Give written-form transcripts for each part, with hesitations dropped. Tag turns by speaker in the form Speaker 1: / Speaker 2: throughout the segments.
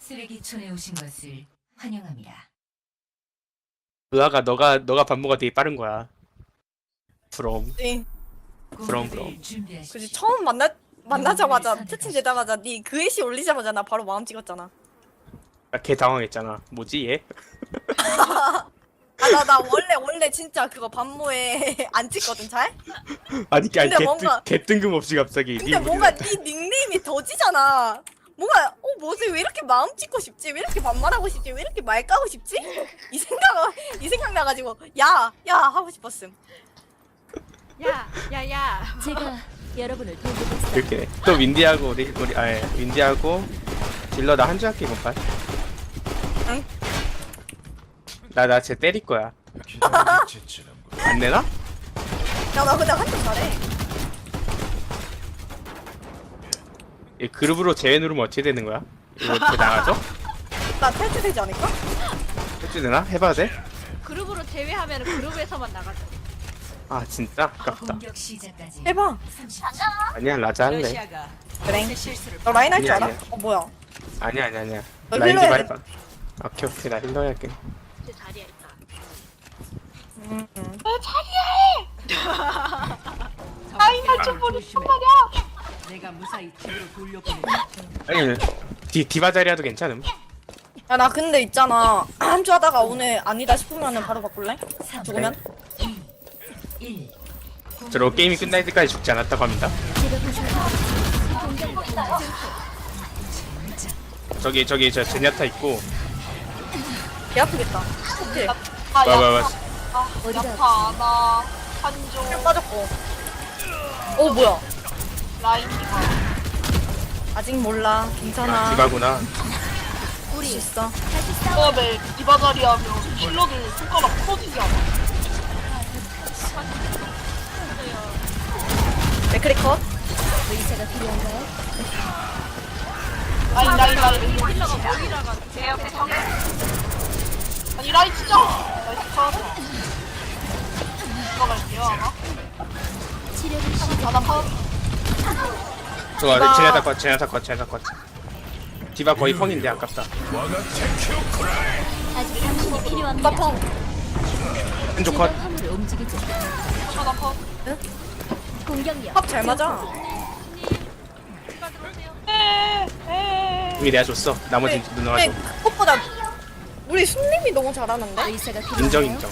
Speaker 1: 쓰레기촌에 오신 것을 환영합니다.
Speaker 2: 의아가 너가 반모가 되게 빠른 거야. 부러움.
Speaker 3: 네.
Speaker 2: 그럼.
Speaker 3: 그지 처음 만나자마자 채팅 되자마자 네 그 애시 올리자마자 나 바로 마음 찍었잖아.
Speaker 2: 걔 당황했잖아. 뭐지 얘?
Speaker 3: 나 원래 진짜 그거 반모에 안 찍거든 잘?
Speaker 2: 아니
Speaker 3: 근데 뭔가-
Speaker 2: 개 뜬금없이 갑자기
Speaker 3: 근데
Speaker 2: 니
Speaker 3: 뭔가 네 닉네임이 더지잖아. 뭔가 뭐지 왜 이렇게 마음 찍고 싶지? 왜 이렇게 반말하고 싶지? 왜 이렇게 말 까고 싶지? 이 생각 나가지고 야 하고 싶었음.
Speaker 4: 야.
Speaker 5: 제가 여러분을 돌보겠어요.
Speaker 2: 이렇게 또 윈디하고 우리 윈디하고 딜러 나 한 줄 할게 이번 판.
Speaker 3: 응?
Speaker 2: 나쟤 때릴 거야. 안 내나?
Speaker 3: 야 나 근데 한쪽 잘해.
Speaker 2: 이 그룹으로 제외 누르면 어떻게 되는 거야? 이거 어떻게 나가죠?
Speaker 3: 나 탈퇴되지 않을까?
Speaker 2: 해주 되나? 해봐야 돼?
Speaker 4: 그룹으로 제외하면 그룹에서만 나가죠.
Speaker 2: 아 진짜 아깝다.
Speaker 1: 공격 시작까지
Speaker 3: 해봐.
Speaker 1: 30초.
Speaker 2: 아니야 라자 할래.
Speaker 1: 러시아가
Speaker 3: 그래.
Speaker 1: 실수를
Speaker 3: 너 라인 할 줄
Speaker 2: 아니야,
Speaker 3: 알아?
Speaker 2: 아니야.
Speaker 3: 뭐야?
Speaker 2: 아니야.
Speaker 3: 너
Speaker 2: 라인
Speaker 3: 힐러
Speaker 2: 좀
Speaker 3: 해야
Speaker 2: 해봐. 오케이 나 힐러 할게.
Speaker 4: 제 자리에 있다.
Speaker 1: 라인 할줄 모르겠단 말이야. 내가 무사히 집으로 돌려보내.
Speaker 2: 아니 디바 자리라도 괜찮음.
Speaker 3: 야 나 근데 있잖아 한 주 하다가 오늘 아니다 싶으면은 바로 바꿀래? 죽으면?
Speaker 1: 1.
Speaker 2: 저로 게임이 끝날 때까지 죽지 않았다고 합니다. 저기 저 제냐타 있고
Speaker 3: 개 아프겠다. 오케이.
Speaker 2: 와와와
Speaker 6: 야타 나 한조
Speaker 3: 힐 빠졌고. 오 뭐야?
Speaker 6: 라인 디바
Speaker 3: 아직 몰라. 괜찮아.
Speaker 2: 디바구나.
Speaker 3: 할 수 있어.
Speaker 6: 처음에 디바 자리 하면 힐러들 손가락 부러지지 않아?
Speaker 3: 맥크리 컷.
Speaker 5: 의사가 필요한가요?
Speaker 6: 라인
Speaker 4: 힐러가 모이라가
Speaker 6: 제 옆에 성 아니 라인 진짜 나이스 컷 들어갈게요 아마
Speaker 5: 치료를 시작.
Speaker 6: 아나 컷
Speaker 2: 좋아 제냐타 컷. 디바 거의 펑인데 아깝다.
Speaker 5: 아직 당신이 필요합니다.
Speaker 3: 나펑.
Speaker 2: 한쪽
Speaker 5: 제가
Speaker 2: 컷.
Speaker 5: 화물을 움직이죠.
Speaker 6: 아나 컷
Speaker 5: 공격력.
Speaker 3: 합잘 맞아.
Speaker 4: 누가 들어오세요?
Speaker 2: 이미 내가 줬어. 나머지 누나가 줘.
Speaker 3: 그것보다 우리 순님이 너무 잘하는데?
Speaker 5: 의사가 필요한가요?
Speaker 2: 인정.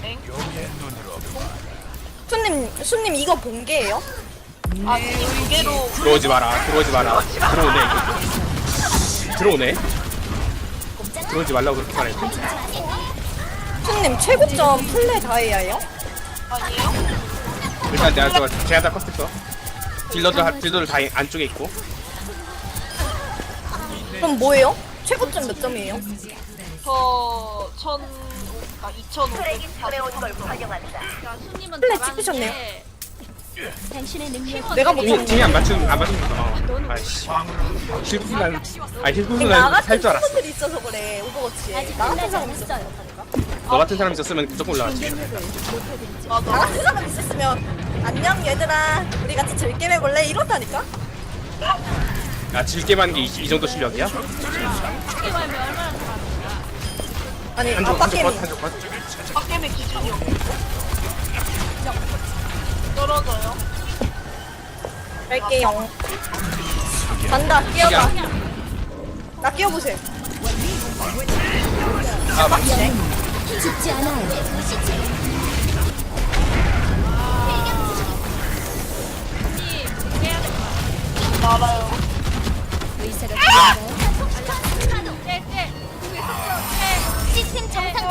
Speaker 3: 순님 이거 본게예요?
Speaker 6: 아니 두 개로
Speaker 2: 들어오지 마라. 들어오네. 들어오지 말라고 그렇게 말했지.
Speaker 3: 순님 최고점 플레 다이아예요?
Speaker 6: 아니에요?
Speaker 2: 일단 내가 저 제냐타 컷 했어. 딜러들 다 안쪽에 있고.
Speaker 3: 그럼 뭐예요? 최고점 몇 점이에요?
Speaker 6: 저 2,500
Speaker 4: 야, 손님은
Speaker 3: 플레이
Speaker 4: 잘하는데
Speaker 3: 찍히셨네요.
Speaker 5: 당신의 능력.
Speaker 3: 내가
Speaker 2: 팀이
Speaker 3: 못하는
Speaker 2: 안 맞추는 거. 아이씨. 힐프난
Speaker 3: 나
Speaker 2: 살 줄
Speaker 3: 같은
Speaker 2: 알았어.
Speaker 3: 친구들이 있어서 그래 오버워치에
Speaker 5: 아직
Speaker 3: 나 같은
Speaker 5: 끝나지
Speaker 3: 사람
Speaker 5: 않았어요.
Speaker 2: 너 같은 사람 있었으면 무조건 올라왔지.
Speaker 5: 공격력을 높여드리죠.
Speaker 3: 나 같은 사람 있었으면 안녕 얘들아 우리 같이 즐겜 해볼래? 이렇다니까?
Speaker 2: 야 질게만 게 이 정도 실력이야?
Speaker 4: 게임하면 얼마나 잘하는가.
Speaker 3: 아니
Speaker 2: 한쪽
Speaker 3: 아빠 게임이
Speaker 2: 한쪽 컷.
Speaker 6: 빡겜의 기준이요 떨어져요
Speaker 3: 갈게요 간다 끼워봐 나 끼워보세요
Speaker 2: 아 맞지.
Speaker 5: 죽지 않아요.
Speaker 6: 알아요
Speaker 5: 의사가 필요한가요?
Speaker 4: 네.
Speaker 5: 시스템 정상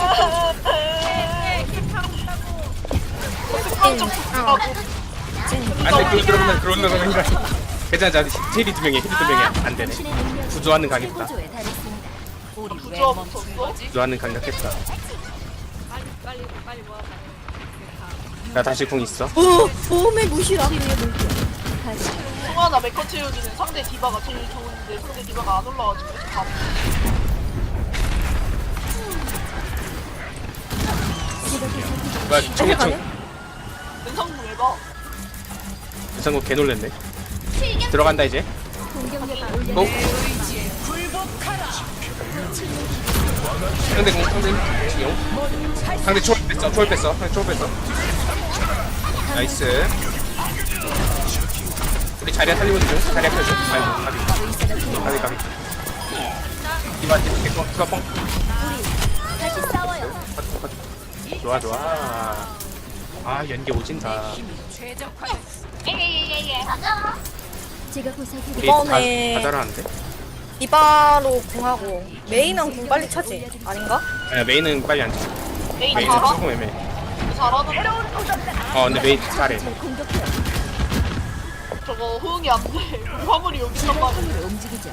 Speaker 6: 한쪽 하고
Speaker 2: 안돼 그런 거 괜찮아. 힐이 두 명이야. 안 되네.
Speaker 5: 당신의 능력.
Speaker 2: 구조하는 각 있다.
Speaker 5: 최고조에 달했습니다.
Speaker 6: 부조화부터 없어?
Speaker 2: 구조하는 강력했다.
Speaker 4: 빨리 모아봐.
Speaker 2: 나 다시 궁 있어.
Speaker 3: 보험의 무시라
Speaker 5: 다시
Speaker 6: 송하나 메커 채워주는 상대 디바가 제일 좋은데 상대 디바가 안 올라와가지고 밥
Speaker 2: 뭐야 청계청
Speaker 6: 연상도 왜 봐?
Speaker 2: 유상국 개 놀랬네. 들어간다 이제.
Speaker 5: 공격력을 올려.
Speaker 2: 고. 상대 공 상대 상대 초월 뺐어 초월 뺐어 상대 초월 뺐어. 나이스. 우리 자리야 살리고 있어. 자리야 펴줘. 아이고 가비 가비. 이만한테 개뻥 투가뻥.
Speaker 5: 다시 싸워요.
Speaker 2: 좋아 좋아. 아 연계 오진다.
Speaker 5: 제가 보살펴
Speaker 2: 우리
Speaker 3: 이번에-
Speaker 2: 다 잘하는데?
Speaker 3: 디바로 궁하고 메인은 궁 빨리 차지 아닌가?
Speaker 2: 아, 메인은 빨리 안 쳐.
Speaker 6: 메인
Speaker 2: 메인은
Speaker 6: 잘하?
Speaker 2: 조금 애매해.
Speaker 6: 잘하는데
Speaker 2: 근데 메인 잘해.
Speaker 5: 잘 공격해요.
Speaker 6: 저거 호응이 안 돼. 우리 화물이 여기 있단 말이야.
Speaker 5: 화물을 움직이죠.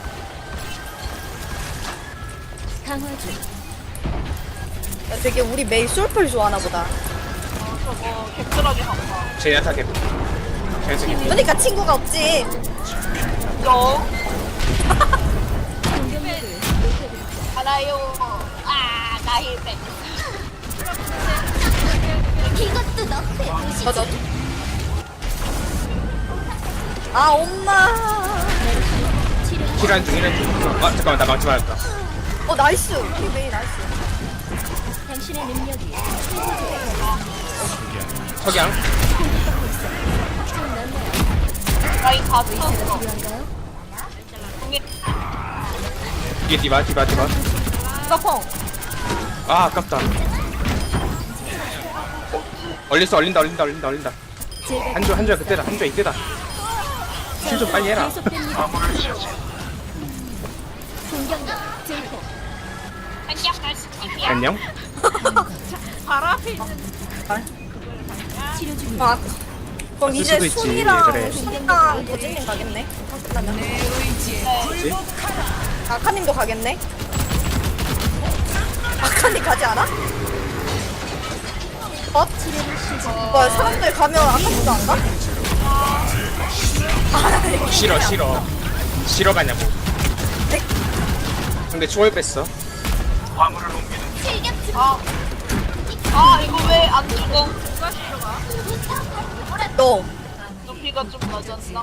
Speaker 5: 강화 중.
Speaker 3: 야, 되게 우리 메이 솔플 좋아하나 보다.
Speaker 6: 저거 객들하게 간다.
Speaker 2: 제야타 개. 제야타 개.
Speaker 3: 그러니까 친구가 없지.
Speaker 6: 영.
Speaker 5: 공격력을 높여드리죠.
Speaker 6: 알아요. 아, 나 힐백.
Speaker 5: 이것도 너프의
Speaker 3: 맞아. 아 엄마.
Speaker 2: 힐한 중. 아 잠깐만 나 망치 맞았다.
Speaker 3: 나이스. 우리 메이 나이스.
Speaker 5: 당신의 능력이
Speaker 2: 석양.
Speaker 5: 좀 넓네요.
Speaker 6: 라인 다 찼어.
Speaker 5: 필요한가요?
Speaker 6: 공이
Speaker 2: 이게 디바.
Speaker 3: 까펑.
Speaker 2: 아 아깝다. 얼린다.
Speaker 5: 제가
Speaker 2: 한조야 그때다. 한조 이때다. 힐 좀 빨리 해라.
Speaker 5: 계속됩니다. 공격력 증폭.
Speaker 2: 안녕.
Speaker 4: 바로 앞에 있는
Speaker 5: 치료 중이에요.
Speaker 3: 아, 그럼
Speaker 2: 쓸
Speaker 3: 이제
Speaker 2: 수도 있지,
Speaker 3: 순이랑
Speaker 2: 그래.
Speaker 3: 순이랑 도진님 가겠네. 잠깐만요.
Speaker 2: 뭐지?
Speaker 3: 아카님도 가겠네. 아카님 가지 않아?
Speaker 5: 치료를 시작.
Speaker 3: 뭐 사람들 가면 아카님도 안 가?
Speaker 2: 싫어 가냐고. 근데 초월 뺐어.
Speaker 6: 이거 왜 안 죽어? 누가 싫어가?
Speaker 3: 너.
Speaker 6: 높이가 좀 낮았나?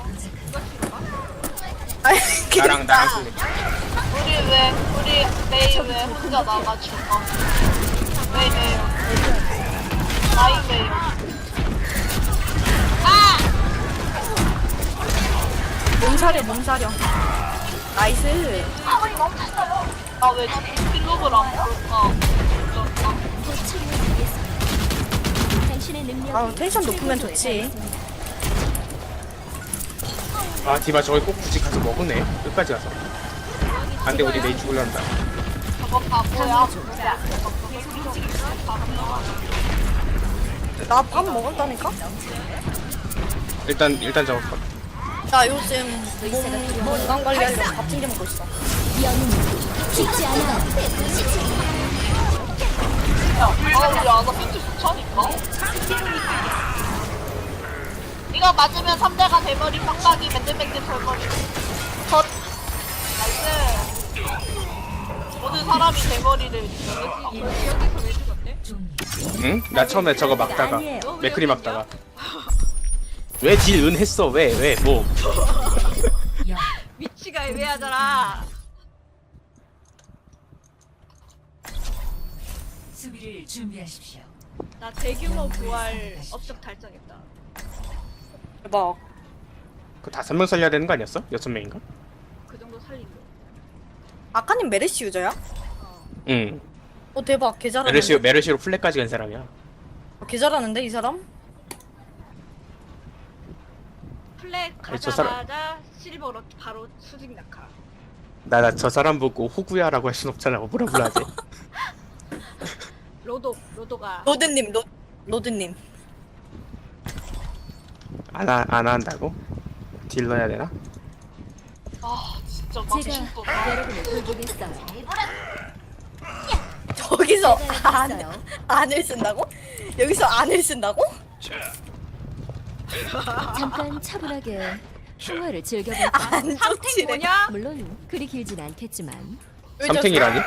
Speaker 3: 아니
Speaker 2: 나랑
Speaker 3: 그니까.
Speaker 2: 승리.
Speaker 6: 우리 메이 왜 혼자 나가지고? 메이 나이 메이.
Speaker 3: 몸사려. 나이스.
Speaker 6: 나왜 필로그를 안 볼까?
Speaker 5: 곧 치료해드리겠습니다. 당신의 능력이
Speaker 3: 아 텐션 높으면 좋지.
Speaker 2: 아 디바 저기 꼭 굳이 가서 먹으네. 끝까지 가서. 안돼 우리 내일 죽을란다.
Speaker 6: 저거 바보야.
Speaker 3: 나 밥 먹었다니까?
Speaker 2: 일단 저거 컷.
Speaker 3: 나 요즘 몸 건강 관리하려고 밥 챙겨 먹고 있어.
Speaker 5: 영웅 죽지 않아.
Speaker 6: 우리 아나 빈트 좋다니까? 이거 맞으면 3대가 대머리 빡빡이 맨들맨들 대머리 컷 나이스 모든 사람이 대머리를 여기서 왜 죽었대?
Speaker 2: 응? 나 처음에 저거 막다가 맥크리 막다가 왜 딜 은했어? 왜 뭐?
Speaker 4: 위치가 애매하잖아.
Speaker 1: 수비를 준비하십시오.
Speaker 4: 나 대규모 부활 업적 달성했다.
Speaker 3: 대박.
Speaker 2: 그 5명 살려야 되는 거 아니었어? 6명인가?
Speaker 4: 그 정도 살린 거.
Speaker 3: 아카님 메르시 유저야?
Speaker 2: 응.
Speaker 3: 대박. 개 잘하는데.
Speaker 2: 메르시로 플랫까지 간 사람이야.
Speaker 3: 개 잘하는데 이 사람?
Speaker 4: 플랫
Speaker 2: 아니, 저 사람-
Speaker 4: 가자마자 실버로 바로 수직 낙하.
Speaker 2: 나 저 사람 보고 호구야라고 할 순 없잖아. 뭐라 불러야지.
Speaker 4: 로도가
Speaker 3: 로드님.
Speaker 2: 안 한다고? 딜 넣어야 되나?
Speaker 6: 아 진짜 맛있어
Speaker 5: 제가 여러분을 돌보겠어요.
Speaker 3: 저기서
Speaker 5: 제가 했어요.
Speaker 3: 안을 쓴다고? 여기서 안을 쓴다고?
Speaker 5: 잠깐 차분하게 평화를 즐겨볼까.
Speaker 3: 안 좋지래.
Speaker 4: 뭐냐?
Speaker 5: 물론 그리 길진 않겠지만
Speaker 2: 삼탱이라니?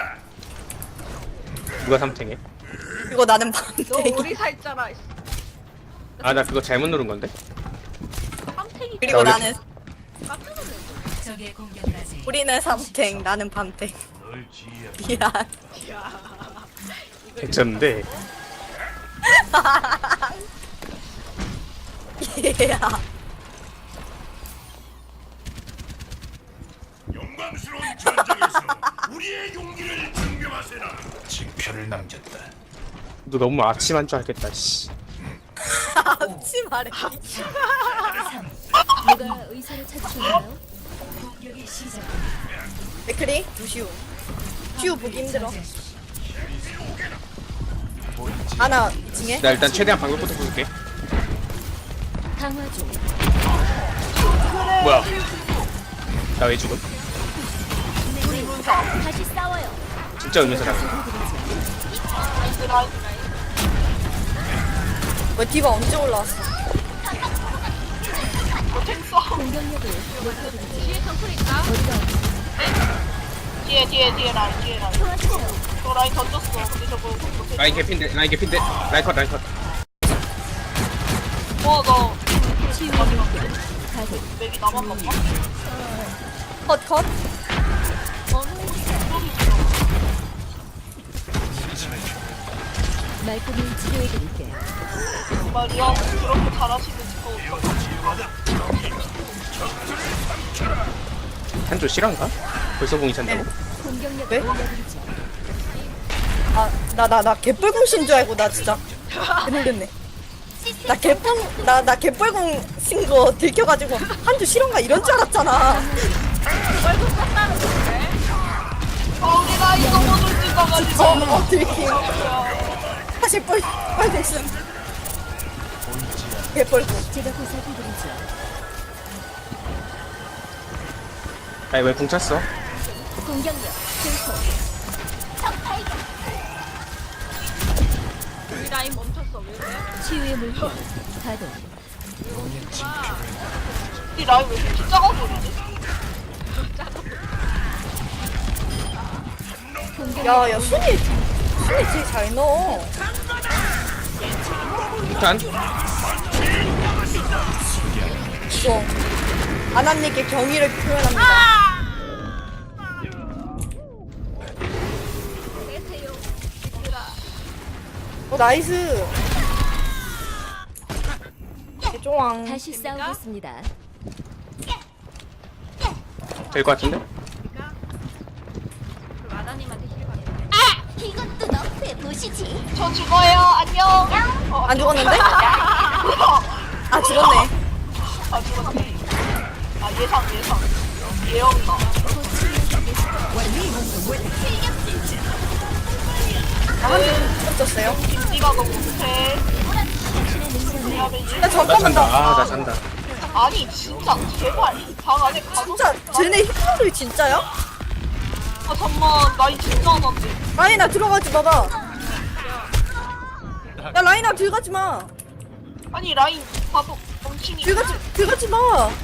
Speaker 2: 누가 삼탱해?
Speaker 3: 이거 나는
Speaker 4: 너
Speaker 3: 밤탱이.
Speaker 4: 오리사 있잖아.
Speaker 2: 아 나 그거 잘못 누른 건데?
Speaker 4: 깜탱이
Speaker 3: 그리고
Speaker 2: 원래-
Speaker 3: 나는
Speaker 4: 깜짝 놀랐어.
Speaker 1: 적의 공격까지
Speaker 3: 우리는 삼탱, 나는 밤탱. 미안.
Speaker 2: 괜찮은데.
Speaker 3: 얘야.
Speaker 7: 영광스러운 전장에서 우리의 용기를 증명하세나. 징표를 남겼다.
Speaker 2: 너 너무 아침한 줄 알겠다. 씨.
Speaker 3: 앞치 말해.
Speaker 5: 누가 의사를 찾으셨나요?
Speaker 3: 맥크리 루시우. 슈 보기 힘들어. 아나 2층에.
Speaker 2: 나 일단 최대한 방금부터 부술게.
Speaker 5: 강화 중.
Speaker 2: 뭐야? 나 왜 죽음?
Speaker 5: 다시 싸워요.
Speaker 2: 진짜 의문사다.
Speaker 3: 뭐 디바 언제 올라왔어?
Speaker 5: 공격력을 높여드리죠.
Speaker 4: 뒤에 정글 있다.
Speaker 6: 뒤에 라인. 저 라인 던졌어. 근데 저거 못해.
Speaker 2: 라인 개핀데, 라인 개핀데. 라인 컷, 라인 컷.
Speaker 6: 너
Speaker 5: 치유의 물결. 가동.
Speaker 6: 맥이 나만 봤나?
Speaker 3: 컷.
Speaker 5: 말끔히 치료해드릴게요.
Speaker 6: 말이야. 그렇게 잘하시는지
Speaker 2: 한조 실한가? 벌써 공이 찬다고?
Speaker 5: 공격력을
Speaker 3: 네?
Speaker 5: 올려드리죠.
Speaker 3: 나 개뻘공 신줄 알고 나 진짜 놀랬네. 나 개뻘공 신 거 들켜가지고 한주 실험가 이런 줄 알았잖아.
Speaker 6: 우리 라인 너무 돌진나가지고.
Speaker 3: 들킴. 사실 뻘공 신. 개뻘공.
Speaker 5: 제가 보살펴드리죠.
Speaker 2: 아니 왜 공 찼어?
Speaker 5: 공격력 증폭.
Speaker 4: 우리 라인 멈췄어. 왜 그래?
Speaker 5: 치유의 물결. 가동.
Speaker 6: 이 라인 왜 이렇게 작아 보이지?
Speaker 3: 야 순이 제일 잘 넣어.
Speaker 2: 일단
Speaker 3: 이거 아나님께 경의를 표현합니다. 나이스. 개종왕.
Speaker 5: 다시 싸우겠습니다.
Speaker 2: 될 것 같은데?
Speaker 4: 그럼 아나님한테 힐 받게.
Speaker 5: 이것도 너프에 보시지.
Speaker 6: 저 죽어요. 안녕.
Speaker 3: 안 죽었는데? 아 죽었네.
Speaker 6: 아 죽었네. 아 예상. 예언가.
Speaker 3: 한대 쳤어요.
Speaker 6: 김디가 너무 못해.
Speaker 3: 야
Speaker 2: 나
Speaker 3: 잠깐만
Speaker 2: 잔다.
Speaker 3: 나.
Speaker 2: 나 잔다.
Speaker 6: 아니 진짜 제발 방 안에 가둬.
Speaker 3: 진짜 쟤네 힐러를 진짜야?
Speaker 6: 아 잠만 나이 진짜 안 왔지.
Speaker 3: 라인아 들어가지 마봐. 야 라인아 들어가지 마.
Speaker 6: 아니 라인 봐도 멍청이.
Speaker 3: 들어가지 마.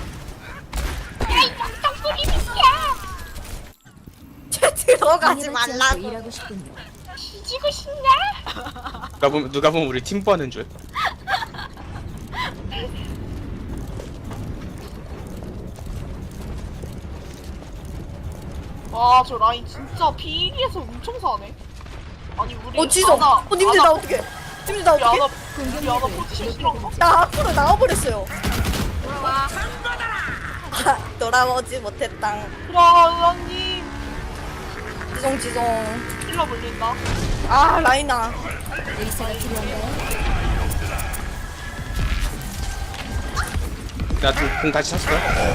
Speaker 3: 쟤 들어가지
Speaker 5: 방해받지 않고
Speaker 3: 말라고.
Speaker 5: 일하고 싶군요.
Speaker 6: 뒤지고 싶냐?
Speaker 2: 누가 보면 우리 팀 뽀하는 줄.
Speaker 6: 와 저 라인 진짜 비리에서 엄청 사네. 아니 우리
Speaker 3: 지성. 님들 나 어떡해? 님들 나 어떡해?
Speaker 6: 우리 아나 포지션 싫어한가?
Speaker 3: 나 앞으로 나와버렸어요.
Speaker 4: 돌아와.
Speaker 3: 돌아오지 못했다.
Speaker 6: 라님
Speaker 3: 지성.
Speaker 6: 힐러 물린다.
Speaker 3: 아 라인아.
Speaker 5: 의사가 필요한가요?
Speaker 2: 나공 다시 찼어.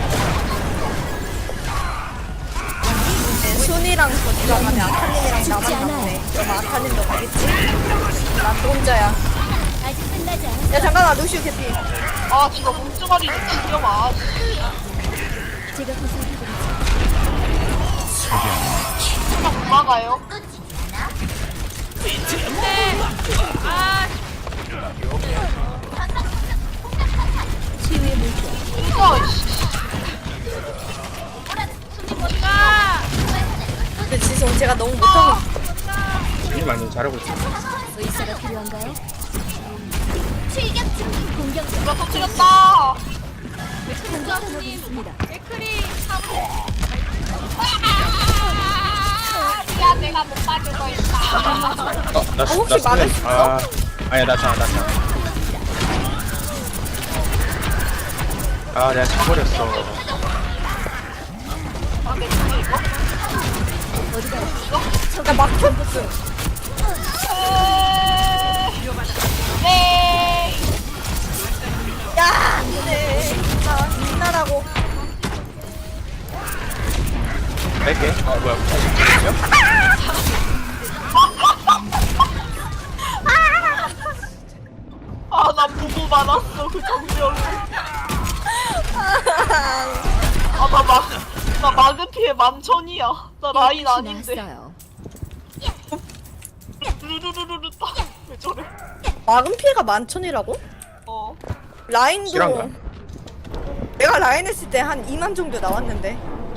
Speaker 3: 순이랑 저기가 가면 아타님이랑 나만
Speaker 5: 않아요.
Speaker 3: 남네. 그럼 아타님도 가겠지? 난 또 혼자야.
Speaker 5: 아직 끝나지 않았어.
Speaker 3: 야 잠깐만 루시우 캐피.
Speaker 6: 아 진짜 몸뚱아리를 죽여봐.
Speaker 5: 제가 보살펴드리죠.
Speaker 6: 그냥 못 막아요.
Speaker 5: 치유의 물결.
Speaker 6: 진짜
Speaker 3: 근데 지성 제가 너무 못하고
Speaker 2: 일 많이 잘하고 있어.
Speaker 5: 의사가 필요한가요? 공격
Speaker 6: 누가 터뜨렸다.
Speaker 5: 공격하고 있습니다.
Speaker 4: 맥크리
Speaker 6: 야 내가 못 빠지고 있다.
Speaker 2: 나
Speaker 3: 혹시 막을 수 있어?
Speaker 2: 아니야 나 차. 아 내가 차버렸어.
Speaker 3: 나 막혔어.
Speaker 6: 네.
Speaker 3: 야, 네. 나 민나라고.
Speaker 2: 뺄게. 아 뭐야?
Speaker 6: 아, 나 보고 말았어, 그 장면을. 나 마그피에 11,000이야. 나 라인 아닌데.
Speaker 5: 나왔어요.
Speaker 6: 루루루루루 딱. 왜 저래?
Speaker 3: 막은 피해가 11,000이라고?
Speaker 6: 어.
Speaker 3: 라인도
Speaker 2: 실화인가?
Speaker 3: 내가 라인 했을 때 한 2만 정도 나왔는데.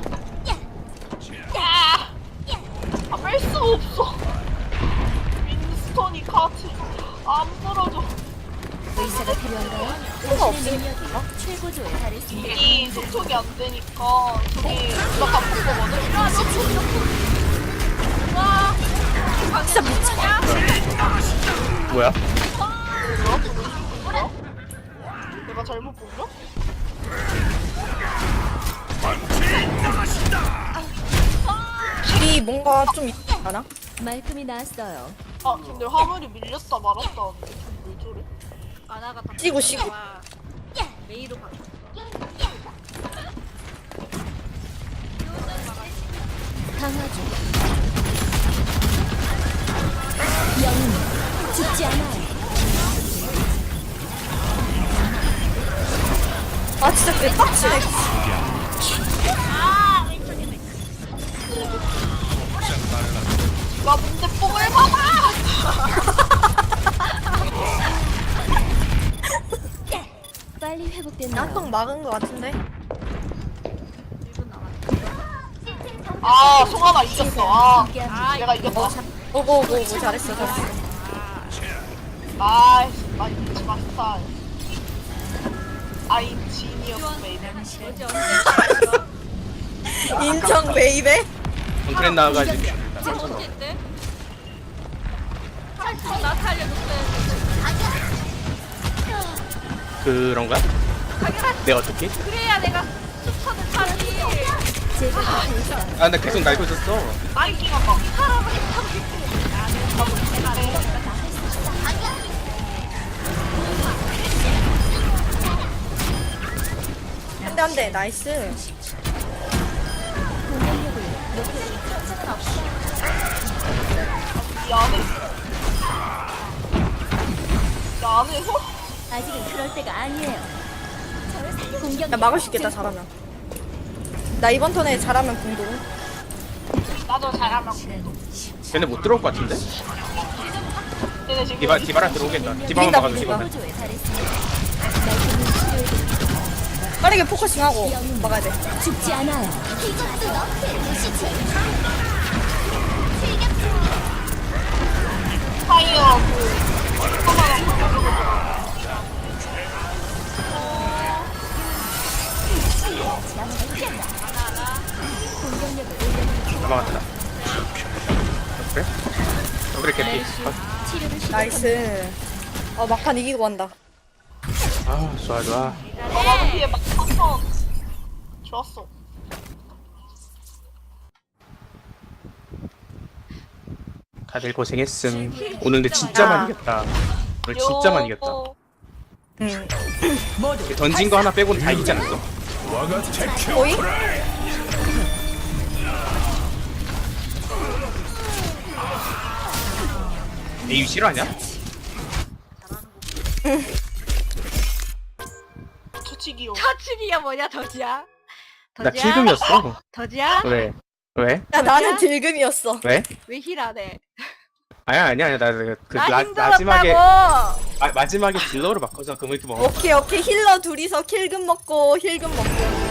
Speaker 6: 아, 뺄 수 없어. 윈스턴이 카트. 안 떨어져.
Speaker 5: 의사가 필요한가요?
Speaker 3: 수가
Speaker 5: 당신의
Speaker 3: 없으니까.
Speaker 5: 능력이 최고조에 달했습니다.
Speaker 6: 이 접촉이 안 되니까 저기 누가 바꾼 거거든?
Speaker 3: 진짜 미쳐.
Speaker 2: 뭐야?
Speaker 6: 뭐야? 내가 잘못 본가?
Speaker 3: 이 뭔가 좀 있지 않아?
Speaker 5: 말끔히 나왔어요.
Speaker 6: 아, 근데 화물이 밀렸다 말았다 하는데 왜 저래?
Speaker 4: 아나가 다
Speaker 3: 쉬고 쉬고.
Speaker 4: 메이로 바꿔.
Speaker 5: 강화주. 영웅 죽지 않아요.
Speaker 3: 아 진짜 개빡치네.
Speaker 6: 나 문제 뽕을 봐봐!
Speaker 5: 빨리 회복됐나요?
Speaker 3: 나toch 막은 거 같은데.
Speaker 6: 아, 송하나 이겼어. 아,
Speaker 5: 함께합니다.
Speaker 6: 내가 이겼다.
Speaker 3: 오고 잘했어.
Speaker 6: 나이스, 나 이기지 마스터. I'm genius, baby.
Speaker 4: 어제 언제
Speaker 3: 인정 베이베.
Speaker 2: 콘크렛 나와가지고.
Speaker 4: 언제 때? 나 살려줬어요.
Speaker 2: 그런가? 내가 어떻게?
Speaker 4: 그래야 내가 스턴을 타지.
Speaker 5: 제가 곁에 있어요.
Speaker 2: 아 나 계속 날고 있었어.
Speaker 6: 나이킹 한다.
Speaker 3: 한대 나이스.
Speaker 5: 공격력을
Speaker 6: 이 안에. 이 안에서?
Speaker 5: 아직은 그럴 때가 아니에요. 공격
Speaker 3: 나 막을 수 있겠다 잘하면. 나 이번 턴에 잘하면 공동.
Speaker 6: 나도 잘하면.
Speaker 2: 쟤네 못 들어올 것 같은데?
Speaker 6: 얘네 지금
Speaker 2: 디바라 들어오겠다. 디바만
Speaker 3: 비긴다,
Speaker 2: 막아줘
Speaker 3: 비긴다.
Speaker 2: 디바만.
Speaker 5: 최고조에 달했습니다. 말끔히 치료해드립니다.
Speaker 3: 빠르게 포커싱하고 막아야 돼.
Speaker 5: 죽지 않아요.
Speaker 6: 파이어 그
Speaker 5: 공격력을 올려드립니다.
Speaker 2: 막았다. 그래? 그래 개피.
Speaker 5: 치료를 시작.
Speaker 3: 나이스. 막판 이기고 간다.
Speaker 2: 아 좋아.
Speaker 6: 마마피에 막 한번 좋았어.
Speaker 2: 다들 고생했음. 오늘 근데 진짜 많이 이겼다. 오늘 진짜 많이 이겼다.
Speaker 3: 응.
Speaker 2: 던진 거 하나 빼고는 다 이기지 않았어.
Speaker 3: 거의?
Speaker 2: 에이 싫어하냐?
Speaker 6: 초치기요.
Speaker 4: 터치기가 뭐냐 더지야?
Speaker 2: 나 킬금이었어.
Speaker 4: 더지야?
Speaker 2: 왜? 왜?
Speaker 3: 야 나는 딜금이었어.
Speaker 2: 왜?
Speaker 4: 왜 힐하네?
Speaker 2: 아니야 나
Speaker 4: 나
Speaker 2: 마지막에
Speaker 4: 힘들었다고.
Speaker 2: 마지막에 딜러로 바꿔서 금을 이렇게 먹어.
Speaker 3: 오케이 힐러 둘이서 킬금 먹고 힐금 먹고.